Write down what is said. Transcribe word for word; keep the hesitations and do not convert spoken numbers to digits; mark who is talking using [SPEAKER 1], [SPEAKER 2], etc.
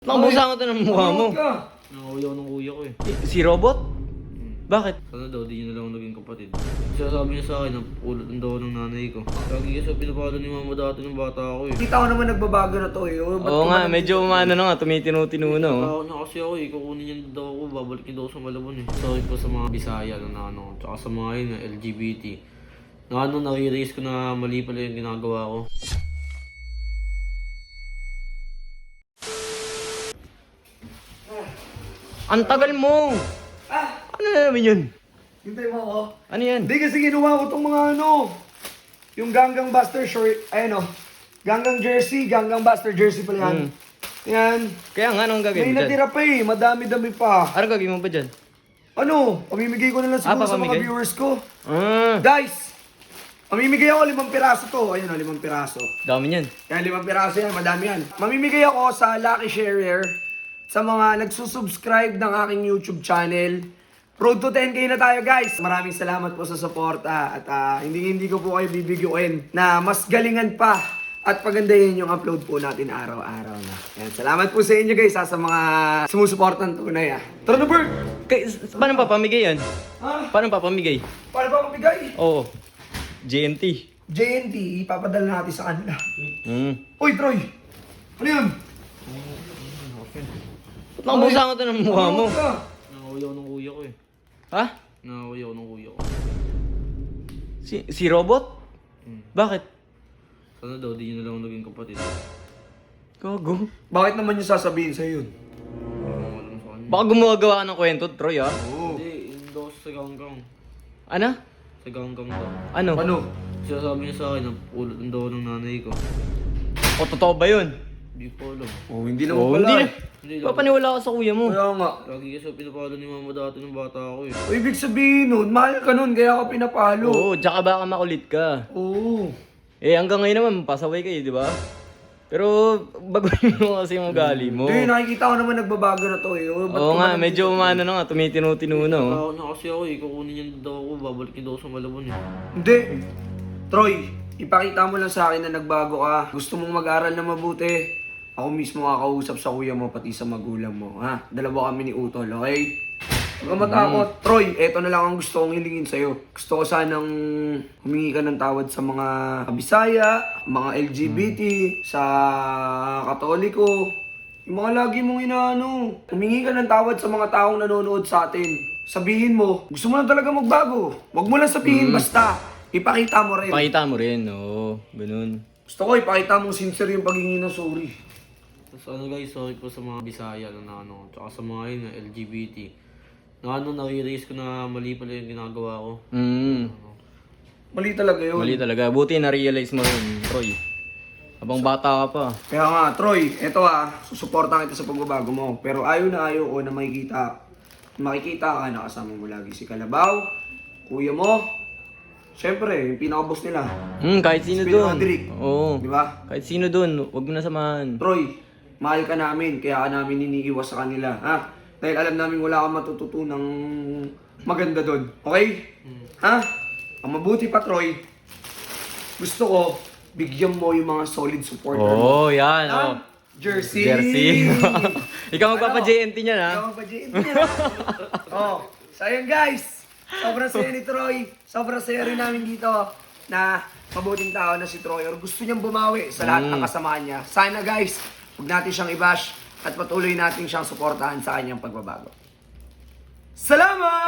[SPEAKER 1] Nakabusa ko ito ng mukha mo.
[SPEAKER 2] Nanguyaw ng kuya ko eh.
[SPEAKER 1] Si Robot? Bakit?
[SPEAKER 2] Sana daw, di niya na lang naging kapatid. Sinasabi niya sa akin, ang ulot ng daw ng nanay ko. Lagi kasi pinapalo ni mama dati ng bata ako eh.
[SPEAKER 3] Kita ko naman nagbabago na to eh. Oh, ba't
[SPEAKER 1] Oo
[SPEAKER 3] ko
[SPEAKER 1] nga,
[SPEAKER 3] ba-
[SPEAKER 1] medyo umano na nga, tumitinu-tinu na oh.
[SPEAKER 2] Takot na kasi ako eh, kukunin niya daw ako, babalik niya daw sa Malabon eh. Sorry po sa mga Bisaya na ano, tsaka sa mga yun, L G B T. Na ano, nare-raise ko na mali pala yung ginagawa ko.
[SPEAKER 1] Ang tagal mo!
[SPEAKER 3] Ah!
[SPEAKER 1] Ano na naman yun?
[SPEAKER 3] Hintay mo ako.
[SPEAKER 1] Ano yan?
[SPEAKER 3] Hindi kasi ginawa ko tong mga ano. Yung Ganggang Buster short. Ayan o. Ganggang jersey. Ganggang Buster jersey pala yan.
[SPEAKER 1] Mm.
[SPEAKER 3] Yan.
[SPEAKER 1] Kaya nga, anong
[SPEAKER 3] May
[SPEAKER 1] gagawin mo dyan?
[SPEAKER 3] natira pa eh. Madami-dami pa.
[SPEAKER 1] Anong gagawin mo ba dyan?
[SPEAKER 3] Ano? Pamimigay ko na lang
[SPEAKER 1] Ah,
[SPEAKER 3] siguro sa mga
[SPEAKER 1] papamigay?
[SPEAKER 3] viewers ko.
[SPEAKER 1] Ah,
[SPEAKER 3] Guys! Mamimigay ako limang piraso to. Ayun o, limang piraso.
[SPEAKER 1] dami niyan.
[SPEAKER 3] Yan, limang piraso yan. Madami yan. Mamimigay ako sa Lucky Sharer sa mga nagsusubscribe ng aking YouTube channel. Road to ten K na tayo guys. Maraming salamat po sa suporta at uh, hindi hindi ko po kayo bibigyan na mas galingan pa at pagandahin yung upload po natin araw-araw na. Yan, salamat po sa inyo guys ha, sa mga sumusuportan tunay ah. Tara na Bert!
[SPEAKER 1] Kay, paano papamigay yan?
[SPEAKER 3] Ha?
[SPEAKER 1] Paano papamigay?
[SPEAKER 3] Paano ba mabigay?
[SPEAKER 1] Oo. J N T.
[SPEAKER 3] J N T, ipapadala natin sa kanila.
[SPEAKER 1] Hmm.
[SPEAKER 3] Uy Troy! Ano yun?
[SPEAKER 1] Nakabusa ko ito ng mukha mo.
[SPEAKER 3] Ano ka?
[SPEAKER 2] Nanguyaw ng kuya ko eh.
[SPEAKER 1] Ha?
[SPEAKER 2] Nanguyaw ng kuya ko.
[SPEAKER 1] Si, si Robot?
[SPEAKER 2] Hmm.
[SPEAKER 1] Bakit?
[SPEAKER 2] Sana daw, di niya na lang naging kapatid.
[SPEAKER 1] Gago.
[SPEAKER 3] Bakit naman yung sasabihin sa'yo yun?
[SPEAKER 2] Hindi ko alam sa kanya.
[SPEAKER 1] Baka gumagawa ka ng kwento, Troy ah.
[SPEAKER 3] Oo.
[SPEAKER 2] Hindi, yun daw sa ganggang.
[SPEAKER 1] Ano?
[SPEAKER 2] Sa ganggang daw.
[SPEAKER 1] Ano?
[SPEAKER 3] Ano?
[SPEAKER 2] Sinasabi niya sa akin, ang ulot ng daw ng nanay ko.
[SPEAKER 1] O totoo ba yun?
[SPEAKER 2] Hindi ko alam.
[SPEAKER 3] Oh, hindi naman
[SPEAKER 1] Oo,
[SPEAKER 3] pala.
[SPEAKER 1] hindi.
[SPEAKER 2] Hindi lang.
[SPEAKER 1] Papaniwala ka sa kuya mo.
[SPEAKER 3] Kaya nga.
[SPEAKER 2] Lagi kasi pinapalo ni mama dati ng bata ako eh.
[SPEAKER 3] O, ibig sabihin nun, mahal ka nun, kaya ka pinapalo.
[SPEAKER 1] Oo, tsaka baka makulit ka.
[SPEAKER 3] Oo.
[SPEAKER 1] Eh, hanggang ngayon naman, pasaway kayo, di ba? Pero, baguhin mo kasi yung ugali mo.
[SPEAKER 3] Hindi, nakikita ko naman nagbabago na to eh. O, ba't
[SPEAKER 1] Oo
[SPEAKER 3] ko
[SPEAKER 1] nga,
[SPEAKER 3] ba-
[SPEAKER 1] medyo umano na nga, tumitinu-tinu na oh.
[SPEAKER 2] Takot na kasi ako eh, kukunin niya daw ako, babalik niya daw sa Malabon eh.
[SPEAKER 3] Hindi. Troy, ipakita mo lang sa akin na nagbago ka. Gusto mong mag-aral na mabuti. Ako mismo kakausap sa kuya mo, pati sa magulang mo. Ha? Dalawa kami ni Utol, okay? Huwag kang matakot. Troy, eto na lang ang gusto kong hilingin sa'yo. Gusto ko sanang humingi ka ng tawad sa mga Kabisaya, mga L G B T, sa Katoliko. Yung mga lagi mong inaano. Humingi ka ng tawad sa mga taong nanonood sa atin. Sabihin mo, gusto mo lang talaga magbago. Huwag mo lang sabihin basta. Ipakita mo rin.
[SPEAKER 1] Pakita mo rin, oo. Ganun.
[SPEAKER 3] Gusto ko ipakita mong sincere yung paghingi ng sorry.
[SPEAKER 2] Tapos ano guys, sorry po sa mga Bisaya na ano, tsaka sa mga yun, L G B T. Na ano, nare-raise ko na mali pala yung ginagawa ko.
[SPEAKER 1] Hmm.
[SPEAKER 3] Mali talaga yun.
[SPEAKER 1] Mali talaga. Buti na-realize mo rin, Troy. Habang bata ka pa.
[SPEAKER 3] Kaya nga, Troy, eto ah, susuportahan kita sa pagbabago mo. Pero ayaw na ayaw ko na makikita, makikita ka na kasama mo lagi si Kalabaw, kuya mo, syempre, yung pinaka-boss nila.
[SPEAKER 1] Hmm, kahit sino
[SPEAKER 3] Si
[SPEAKER 1] dun.
[SPEAKER 3] Roderick.
[SPEAKER 1] Oo.
[SPEAKER 3] Di ba?
[SPEAKER 1] Kahit sino dun, huwag mo na samahan.
[SPEAKER 3] Troy, mahal ka namin, kaya ka namin iniiwas sa kanila, ha? Dahil alam namin wala kang matututunang maganda doon. Okay? Ha? Ang mabuti pa, Troy, gusto ko, bigyan mo yung mga solid supporter
[SPEAKER 1] Oo,
[SPEAKER 3] mo.
[SPEAKER 1] yan.
[SPEAKER 3] Ha?
[SPEAKER 1] Oh.
[SPEAKER 3] Jersey!
[SPEAKER 1] Jersey. Ikaw magpapa-J N T niya na.
[SPEAKER 3] Ikaw magpa-J N T niya. Oh, so ayun guys. Sobrang saya ni Troy. Sobrang saya rin namin dito na mabuting tao na si Troy or gusto niyang bumawi sa lahat ng kasamaan niya. Sana guys, huwag natin siyang i-bash at patuloy natin siyang suportahan sa kanyang pagbabago. Salamat!